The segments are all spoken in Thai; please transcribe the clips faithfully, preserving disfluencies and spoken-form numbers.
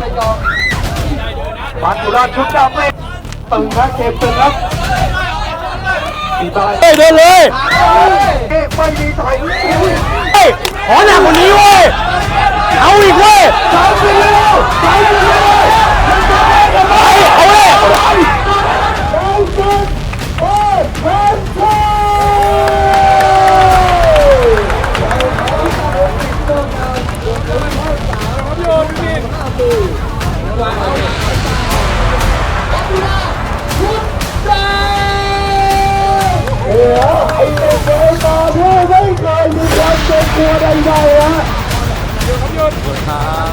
มัจจุราชชุดดำไม่ตึงนะเกมตึงครับตีตายเฮ้ยเดินเลยไม่มีถอยเฮ้ยขอหนักกว่านี้เว้ยเอาอีกเว้ยถอยไปเร็วถอยไปเร็วเอาเลยโอ้ไอ้เด็กเอ๋ยตาเพื่อไม่เคยมีความเจ็บปวดใดๆฮะหยุดครับหยุดหยุดครับ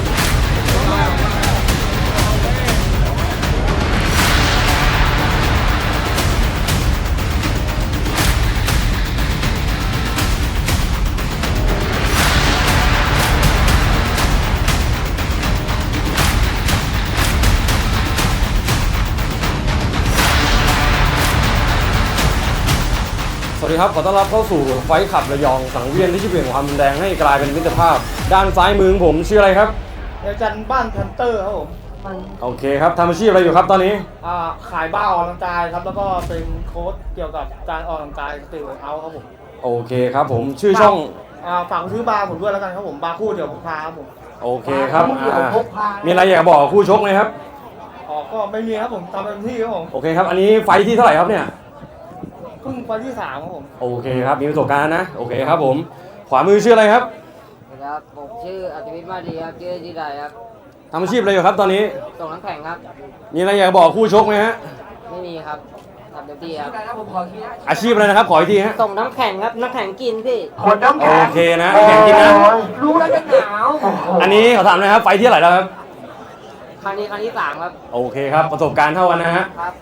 สวัสดีครับขอต้อนรับเข้าสู่ไฟขับระยองสังเวียนที่จะเปลี่ยนความรุนแรงให้กลายเป็นมิตรภาพด้านซ้ายมือผมชื่ออะไรครับอาจารย์บ้านพันเตอร์ครับผมโอเคครับทำอาชีพอะไรอยู่ครับตอนนี้อ่าขายบ้าออกกำลังกายครับแล้วก็เป็นโค้ชเกี่ยวกับการออกกำลังกายสตรีทเวิร์คเอาท์ครับผมโอเคครับผมชื่อช่องอ่าฝากซื้อบาร์ผมด้วยแล้วกันครับผมบาร์คู่เดี๋ยวผมพาครับผมโอเคครับมีอะไรอยากบอกคู่ชกไหมครับอ๋อก็ไม่มีครับผมทำเต็มที่ครับผมโอเคครับอันนี้ไฟที่เท่าไหร่ครับเนี่ยเพิ่งไฟที่สามครับผมโอเคครับมีประสบการณ์นะโอเคครับผมขวามือชื่ออะไรครับครับผมชื่ออัจวิทย์มาดีครับชื่อจีไดครับทำอาชีพอะไรอยู่ครับตอนนี้ส่งน้ำแข็งครับมีอะไรอยากบอกคู่ชกไหมฮะไม่มีครับทำเต็มที่ครับอาชีพอะไรนะครับขออีกทีฮะส่งน้ำแข็งครับน้ำแข็งกินพี่คนน้ำแข็งโอเคนะน้ำแข็งกินนะรู้แล้วจะหนาวอันนี้ขอถามนะครับไฟที่เท่าไหร่แล้วครับครั้งนี้ครั้งที่สามครับโอเคครับประสบการณ์เท่ากันนะฮะครับ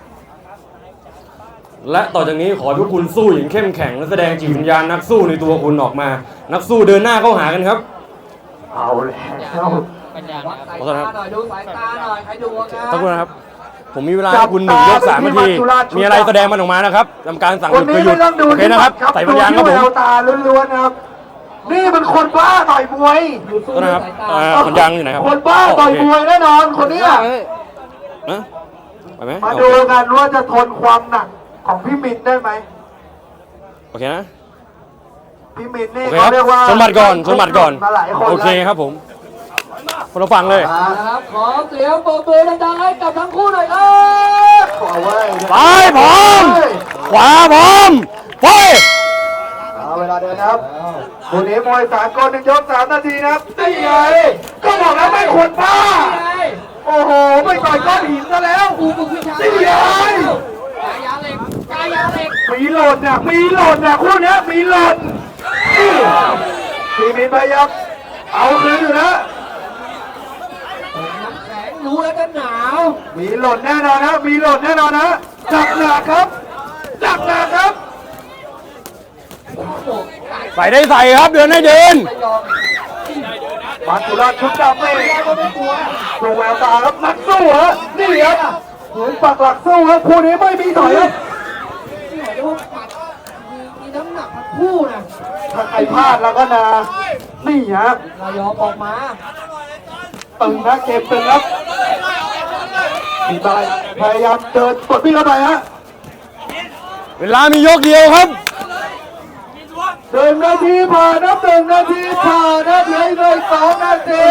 และต่อจากนี้ขอทุกคุณสู้อย่างเข้มแข็งและแสดงจิตวิญญาณนักสู้ในตัวคุณออกมานักสู้เดินหน้าเข้าหากันครับเอาแล้วปัญญาหน่อยหน่อยดูสายตาหน่อยใครดูนะขอบคุณนะครับผมมีเวลาให้คุณหนึ่งยกสามนาทีมีอะไรแสดงมันออกมานะครับทำการสั่งหยุดคือหยุดโอเคนะครับใส่ปัญญาครับผมตาล้วนๆนะครับนี่มันคนบ้าต่อยมวยต้นนะครับปัญญาอยู่ไหนครับคนบ้าต่อยมวยแน่นอนคนนี้นะไปไหมมาดูกันว่าจะทนความหนักของพี่มินได้ไหมโอเคนะพี่มินนี่เขาเรียกว่าชนบัตรก่อนชนบัตรก่อนโอเคครับผมคนเราฟังเลยครับขอเสียงปรบมือดังๆให้กับทั้งคู่หน่อยครับขอไว้ซ้ายพร้อมขวาพร้อมไปเอาเวลาเดินครับคู่นี้มวยสากลหนึ่งยกสามนาทีนะครับนี่ไงก็บอกแล้วไม่ควรพลาดโอ้โหไม่ต่อยก้อนหินซะแล้วนี่ไงมีหล่นเนี่ยมีหล่นเนี่ยคู่นี้มีหล่นทีมินพยายามเอาคืนอยู่นะน้ำแข็งรู้แล้วกันหนาวมีหล่นแน่นอนนะมีหล่นแน่นอนนะจับหนักครับจับหนักครับใส่ได้ใส่ครับเดินให้เดินมัจจุราชชุดดำไม่ดูแววตาครับนักสู้ฮะนี่ครับเหมือนปักหลักสู้ครับคู่นี้ไม่มีถอยครับมีน้ำหนักทั้งคู่นะถ้าใครพลาดแล้วก็นานี่ฮะนายกออกมาตึงนะเกมตึงครับตีตายพยายามเดินกดพี่เข้าไปฮะเวลามียกเดียวครับหนึ่งนาทีผ่านนับหนึ่งนาทีผ่านนับเหลือเลยสองนาที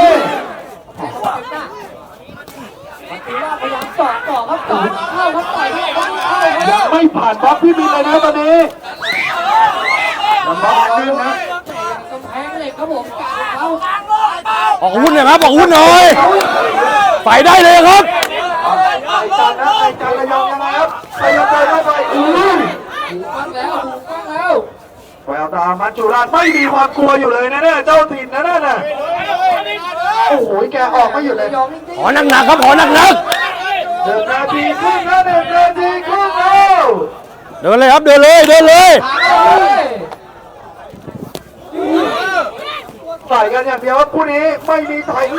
พยายามต่อต่อครับต่อเข้าครับต่อยเข้าเข้ายังไม่ผ่านบล็อกพี่มินเลยนะตอนนี้ยังบล็อกนึงนะกำแพงเหล็กครับผมเขาออกหุ้นหน่อยครับออกหุ้นหน่อยใส่ได้เลยครับไอ้จันนะไอ้จันระยองยังไงครับไอ้ยังไงเข้าไปอู้หูฟังแล้วหูฟังแล้วแววตามัจจุราชไม่มีความกลัวอยู่เลยนะเนี่ยเจ้าถิ่นนะนั่นน่ะโอ้โหแกออกไม่หยุดเลยขอหนักหนักครับขอหนักหนักหนึ่งนาทีครึ่งนะหนึ่งนาทีครึ่งแล้วเดินเลยครับเดินเลยเดินเลยใส่กันอย่างเดียวว่าคู่นี้ไม่มีถอย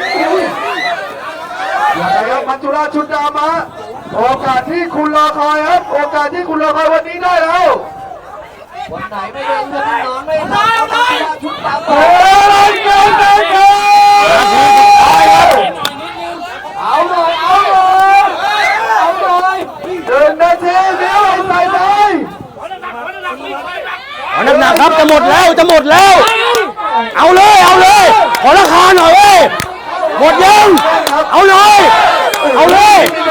อย่างไรครับมัจจุราชชุดดำมาโอกาสที่คุณรอคอยครับโอกาสที่คุณรอคอยวันนี้ได้แล้ววันไหนไม่ได้เงินนอนไม่หลับมัจจุราชชุดดำโอ้ยเกินเกินเกินเอาหนักครับจะหมดแล้วจะหมดแล้ว เอาเลยเอาเลยขอราคาหน่อยเว้ยหมดยังเอาเลยเอาเลย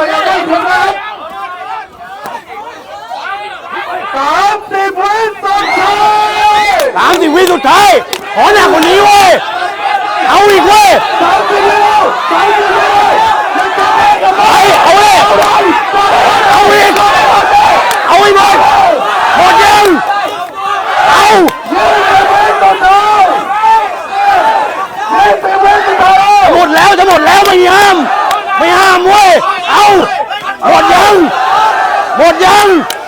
สามสิบวิสุดท้ายสามสิบวิสุดท้ายขอหนักกว่านี้เว้ยเอาอีกเว้ยสามสิบวิสามสิบวิยังจะได้กันไหมไปเอาเลยเอาอีกเอาอีกหมดหมดยังเอายี่สิบวิสุดท้ายยี่สิบวิสุดท้ายหมดแล้วจะหมดแล้วไม่ห้ามไม่ห้ามเว้ยเอาหมดยังหมดยัง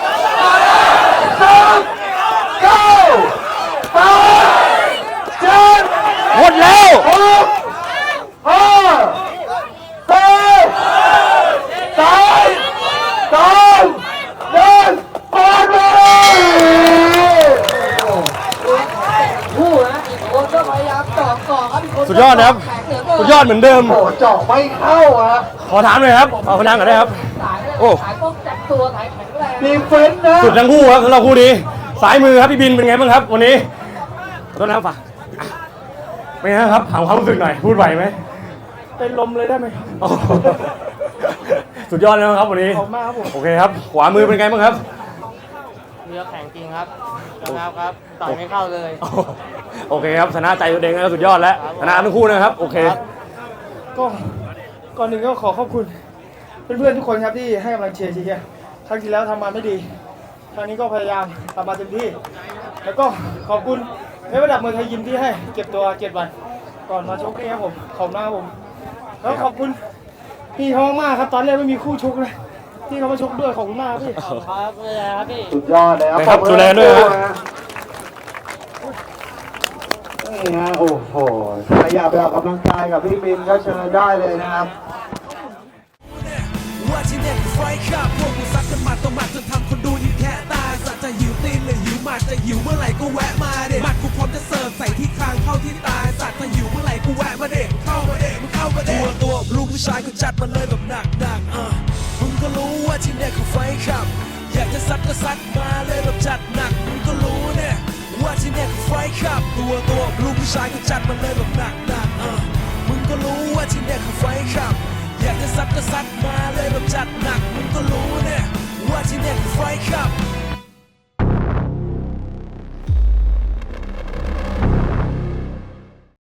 เก้าแปดเจ็ดหมดแล้วหกห้าสี่สามสองหนึ่งหมดเวลาคู่นะอีกคนก็พยายามเจาะก่อครับอีกคนสุดยอดนะครับแข็งเหลือเกินสุดยอดเหมือนเดิมโอ้เจาะไม่เข้าอะขอถามหน่อยครับเอาพนังก่อนได้ครับสายเลยโอ้สายป้องกันตัวสายแข็งแรงดีเฟนส์นะสุดทั้งคู่ครับสำหรับคู่นี้สายมือครับพี่บินเป็นไงบ้างครับวันนี้ขอโทษนะครับฝากเป็นไงครับถามความรู้สึกหน่อยพูดไหวไหมเป็นลมเลยได้ไหมครับโอ้โหสุดยอดแล้วครับวันนี้ขอบคุณมากครับผมโอเคครับขวามือเป็นไงบ้างครับเรือแข็งจริงครับครับครับต่อยไม่เข้าเลยโอเคครับชนะใจตัวเองแล้วสุดยอดแล้วชนะทั้งคู่นะครับโอเคก็ก่อนหนึ่งก็ขอขอบคุณเพื่อนๆทุกคนครับที่ให้กำลังเชียร์เชียร์ครั้งที่แล้วทำมาไม่ดีครั้งนี้ก็พยายามทำมาเต็มที่ แล้วก็ขอบคุณในระดับมวยไทยยิมที่ให้เก็บตัวเจ็ดวัน ก่อนมาชกนี่ครับผมขอบคุณมากครับผมแล้วขอบคุณพี่เขามากครับตอนแรกไม่มีคู่ชกเลยที่เขามาชกด้วยขอบคุณมากครับพี่ครับเลยครับพี่สุดยอดเลยครับครับดูแลด้วยฮะนี่ฮะโอ้โหใครอยากไปออกกำลังกายกับพี่บินก็เชิญได้เลยนะครับว่าที่เนี่ยคือไฟขับพวกกูซัดกันหมัดต่อหมัดจนทำคนดูยิ้มแค่ตายสัตว์จะหิวตีนหรือหิวหมัดจะหิวเมื่อไหร่ก็แวะมาเด็หมัดกูพร้อมจะเสิร์ฟใส่ที่คางเข้าที่ตายสัตว์จะหิวเมื่อไหร่กูแวะมาเด็เข้ามาเด็มึงเข้ามาเด็ตัวตัวลูกผู้ชายกูจัดมันเลยแบบหนักหนักๆอ่ะมึงก็รู้ว่าที่เนี่ยคือไฟขับ อยากจะซัดก็ซัดมาเลยแบบจัดหนักมึงก็รู้เนี่ยว่าที่เนี่ยคือไฟขับ ตัวตัวลูกผู้ชายกูจัดมันเลยแบบหนักหนัก